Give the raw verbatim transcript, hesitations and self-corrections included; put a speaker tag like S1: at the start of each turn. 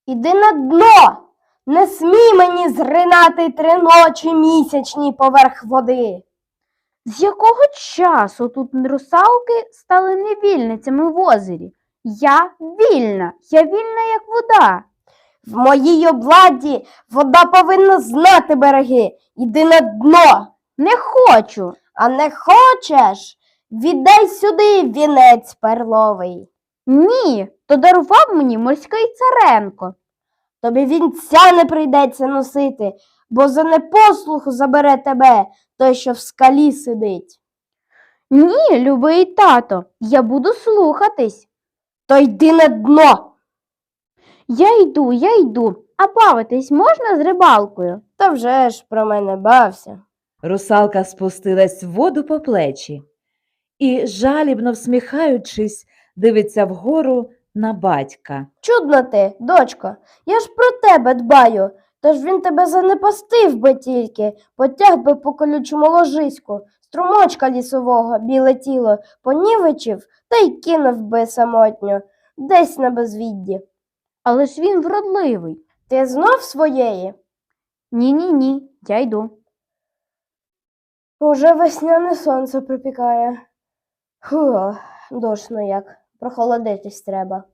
S1: Іди на дно! Не смій мені зринати три ночі місячні поверх води.
S2: З якого часу тут русалки стали невільницями в озері? Я вільна, я вільна, як вода.
S1: В моїй обладі вода повинна знати береги. Іди на дно.
S2: Не хочу.
S1: А не хочеш? Віддай сюди вінець перловий.
S2: Ні, то дарував мені морський Царенко.
S1: Тобі вінця не прийдеться носити, бо за непослуху забере тебе той, що в скалі сидить.
S2: Ні, любий тато, я буду слухатись.
S1: То йди на дно.
S2: Я йду, я йду. А бавитись можна з рибалкою?
S1: Та вже ж про мене бався.
S3: Русалка спустилась в воду по плечі і, жалібно всміхаючись, дивиться вгору на батька.
S1: Чудна ти, дочко, я ж про тебе дбаю, тож він тебе занепастив би тільки, потяг би по колючому ложиську, струмочка лісового, біле тіло, понівечив та й кинув би самотньо, десь на безвідді.
S2: Але ж він вродливий.
S1: Ти знов своєї?
S2: Ні-ні-ні, я йду.
S1: Уже весняне сонце припікає. Фу, душно як, прохолодитись треба.